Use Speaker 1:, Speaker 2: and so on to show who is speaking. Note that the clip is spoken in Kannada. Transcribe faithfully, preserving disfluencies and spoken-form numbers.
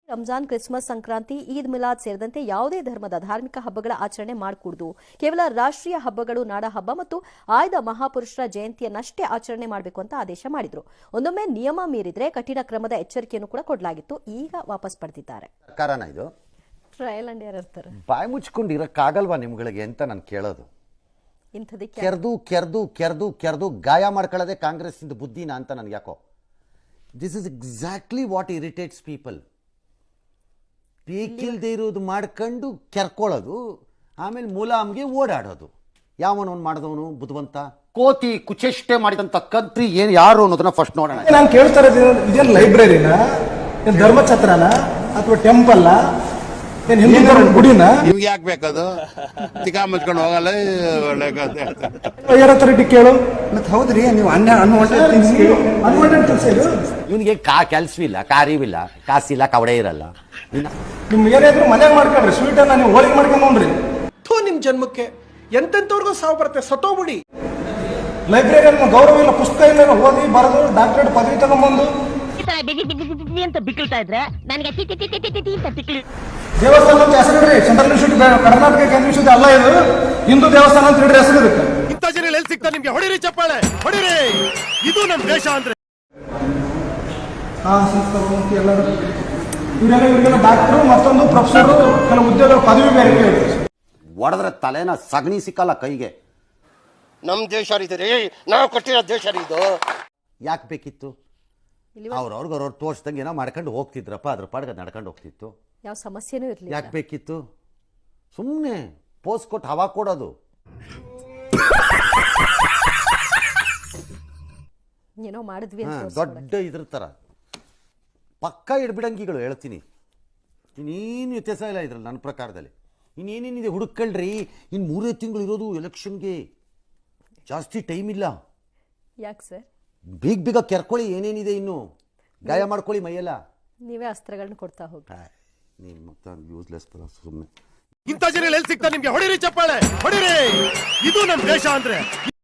Speaker 1: ರಂಜಾನ್, ಕ್ರಿಸ್ಮಸ್, ಸಂಕ್ರಾಂತಿ, ಈದ್ ಮಿಲಾದ್ ಸೇರಿದಂತೆ ಯಾವುದೇ ಧರ್ಮದ ಧಾರ್ಮಿಕ ಹಬ್ಬಗಳ ಆಚರಣೆ ಮಾಡಕೂಡದು. ಕೇವಲ ರಾಷ್ಟ್ರೀಯ ಹಬ್ಬಗಳು, ನಾಡ ಹಬ್ಬ ಮತ್ತು ಆಯ್ದ ಮಹಾಪುರುಷರ ಜಯಂತಿಯನ್ನಷ್ಟೇ ಆಚರಣೆ ಮಾಡಬೇಕು ಅಂತ ಆದೇಶ ಮಾಡಿದ್ರು. ಒಂದೊಮ್ಮೆ ನಿಯಮ ಮೀರಿದ್ರೆ ಕಠಿಣ ಕ್ರಮದ ಎಚ್ಚರಿಕೆಯನ್ನು ಕೂಡ ಕೊಡಲಾಗಿತ್ತು. ಈಗ ವಾಪಸ್ ಪಡೆದಿದ್ದಾರೆ.
Speaker 2: ಕಾರಣ ಇದು
Speaker 1: ಟ್ರಯಲ್ ಅಂಡ್ ಎರರ್ ತರ.
Speaker 2: ಬಾಯಿ ಮುಚ್ಕೊಂಡಿರಕ್ಕಾಗಲ್ವಾ ನಿಮ್ಗಳಿಗೆ ಅಂತ ನಾನು ಕೇಳೋದು.
Speaker 1: ಇಂಥದಕ್ಕೆ
Speaker 2: ಕೆರ್ದು ಕೆರ್ದು ಕೆರ್ದು ಕೆರ್ದು ಗಾಯ ಮಾಡ್ಕೊಳ್ಳೋದೇ ಕಾಂಗ್ರೆಸ್ ಇಂದ ಬುದ್ಧಿನ ಅಂತ ನನಗೆ ಯಾಕೋ. This is exactly what irritates people. ಬೇಕಿಲ್ದೇ ಇರೋದು ಮಾಡ್ಕೊಂಡು ಕೆರ್ಕೊಳ್ಳೋದು, ಆಮೇಲೆ ಮುಲಾಮ್ಗೆ ಓಡಾಡೋದು. ಯಾವನವನು ಮಾಡಿದವನು ಬುದ್ಧಿವಂತ? ಕೋತಿ ಕುಚೇಷ್ಟೆ ಮಾಡಿದಂತ ಕತ್ರಿ ಏನು ಯಾರು ಅನ್ನೋದನ್ನ ಫಸ್ಟ್ ನೋಡೋಣ.
Speaker 3: ನಾನು ಕೇಳ್ತಾ ಇರೋದು, ಇದೇನು ಲೈಬ್ರರಿನ, ಏನು ಧರ್ಮಛತ್ರನ, ಅಥವಾ ಟೆಂಪಲ್, ಏನು ಹಿಂದೂ ಧರ್ಮದ ಗುಡಿನ?
Speaker 4: ನಿಮ್ಗೆ ಯಾಕೆ ಬೇಕದು? ತಿಕಾ ಮುಚ್ಕೊಂಡು ಹೋಗಲ್ಲ.
Speaker 3: ಯಾರ ಅಥಾರಿಟಿ ಕೇಳು.
Speaker 5: ಮತ್ತೆ ಹೌದ್ರಿ, ನೀವು ಅನ್ನ ಅನ್ವಾಂಟೆಡ್ ಥಿಂಗ್ಸ್ ಕೇಳಿ.
Speaker 3: ಅನ್ವಾಂಟೆಡ್ ಕೆಲಸ ಇದು.
Speaker 2: ಇವನಿಗೆ ಕಾ ಕೆಲ್ಸವಿಲ್ಲ, ಕಾರಿವಿಲ್ಲ, ಕಾಸಿಲ್ಲ, ಕವಡೆ ಇರಲ್ಲ.
Speaker 3: ನಿಮ್ ಏನಾದ್ರು ಮನ್ಯಾಗ ಮಾಡ್ಕೊಳ್ರಿ, ಸ್ವೀಟ್ ಅನ್ನ ನೀವು ಹೋಳಿಗೆ ಮಾಡ್ಕೊಂಡ್ರಿ.
Speaker 6: ಥೂ, ನಿಮ್ ಜನ್ಮಕ್ಕೆ ಎಂತೆಂತವ್ರಿಗೂ ಸಾವು ಬರುತ್ತೆ, ಸತ್ತೋಗ್ಬಿಡಿ.
Speaker 3: ಲೈಬ್ರರಿ ಗೌರವ ಇಲ್ಲ, ಪುಸ್ತಕ ಇಲ್ಲ, ಓದಿ ಬರೆದು ಡಾಕ್ಟರೇಟ್ ಪದವಿ ತಗೊಂಡ್ಬಂದು
Speaker 7: ಅಂತ ಬಿಕ್ಕಳ್ತಾ ಇದ್ರೆ ನನಗೆ
Speaker 3: ದೇವಸ್ಥಾನ ಅಂತ ಹೆಸರಿಡ್ರಿ. ಸೆಂಟ್ರಲ್ ಇನ್ಸ್ಟಿಟ್ಯೂಟ್, ಕರ್ನಾಟಕ ಕೇಂದ್ರ ಇನ್ಸ್ಟಿಟ್ಯೂಟ್ ಅಲ್ಲ ಇದು, ಹಿಂದೂ ದೇವಸ್ಥಾನ ಅಂತ ಇಡ್ರಿ ಹೆಸರು ಇದಕ್ಕೆ.
Speaker 6: ಇಂಥ ಜನ ಎಲ್ಲಿ ಸಿಗ್ತಾರೆ ನಿಮ್ಗೆ? ಹೊಡಿರಿ ಚಪ್ಪಾಳೆ, ಹೊಡಿರಿ. ಇದು ನಮ್ ದೇಶ ಅಂದ್ರೆ.
Speaker 3: ಹಾ, ಸಂಸ್ಕೃತಿ ಎಲ್ಲರೂ ಇವರೆಲ್ಲ ಇವರಿಗೆಲ್ಲ ಡಾಕ್ಟರು, ಮತ್ತೊಂದು ಪ್ರೊಫೆಸರ್, ಕೆಲವು ಉದ್ಯೋಗ ಪದವಿ ಬೇರೆ.
Speaker 2: ಹೊಡೆದ್ರೆ ತಲೆನ ಸಗಣಿ ಸಿಕ್ಕಲ್ಲ ಕೈಗೆ.
Speaker 8: ನಮ್ ದೇಶ ರೀ, ನಾವು ಕಟ್ಟಿರೋ ದೇಶ ಇದು.
Speaker 2: ಯಾಕೆ ಬೇಕಿತ್ತು? ಅವ್ರವ್ರಿಗೆ ಅವ್ರವ್ರು ತೋರ್ಸ್ದಂಗೆ ಏನೋ ಮಾಡ್ಕೊಂಡು ಹೋಗ್ತಿದ್ರಪ್ಪ, ಅದ್ರ ಪಾಡ್ಗೆ ನಡ್ಕೊಂಡು ಹೋಗ್ತಿತ್ತು.
Speaker 1: ಯಾವ ಸಮಸ್ಯೆನೂ ಇರಲಿಲ್ಲ.
Speaker 2: ಯಾಕೆ ಬೇಕಿತ್ತು? ಸುಮ್ಮನೆ ಪೋಸ್ ಕೊಟ್ಟು ಹವಾ ಕೊಡೋದು.
Speaker 1: ಏನೋ ಮಾಡಿದ್ವಿ ಅಂತ
Speaker 2: ದೊಡ್ಡ ಇದ್ರ ಥರ ಪಕ್ಕ ಇಡ್ಬಿಡಂಗಿಗಳು ಹೇಳ್ತೀನಿ. ಇನ್ನೇನು ವ್ಯತ್ಯಾಸ ಇಲ್ಲ ಇದ್ರಲ್ಲಿ ನನ್ನ ಪ್ರಕಾರದಲ್ಲಿ. ಇನ್ನೇನೇನಿದೆ ಹುಡುಕಳ್ರಿ. ಇನ್ನು ಮೂರೇ ತಿಂಗಳು ಇರೋದು ಎಲೆಕ್ಷನ್ಗೆ, ಜಾಸ್ತಿ ಟೈಮ್ ಇಲ್ಲ.
Speaker 1: ಯಾಕೆ ಸರ್?
Speaker 2: ಬೇಗ ಬೇಗ ಕೆರ್ಕೊಳ್ಳಿ, ಏನೇನಿದೆ ಇನ್ನು ಗಾಯ ಮಾಡ್ಕೊಳ್ಳಿ ಮೈಯೆಲ್ಲ.
Speaker 1: ನೀವೇ ಅಸ್ತ್ರಗಳನ್ನ ಕೊಡ್ತಾ ಹೋಗಿ.
Speaker 2: ನೀನು ಮತ್ತೆ ಯೂಸ್ಲೆಸ್ ಸುಮ್ಮನೆ.
Speaker 6: ಇಂಥ ಜನ ಎಲ್ಲಿ ಸಿಗ್ತಾರೆ ನಿಮ್ಗೆ? ಹೊಡಿರಿ ಚಪ್ಪಾಳೆ, ಹೊಡಿರಿ. ಇದು ನಮ್ ದೇಶ ಅಂದ್ರೆ.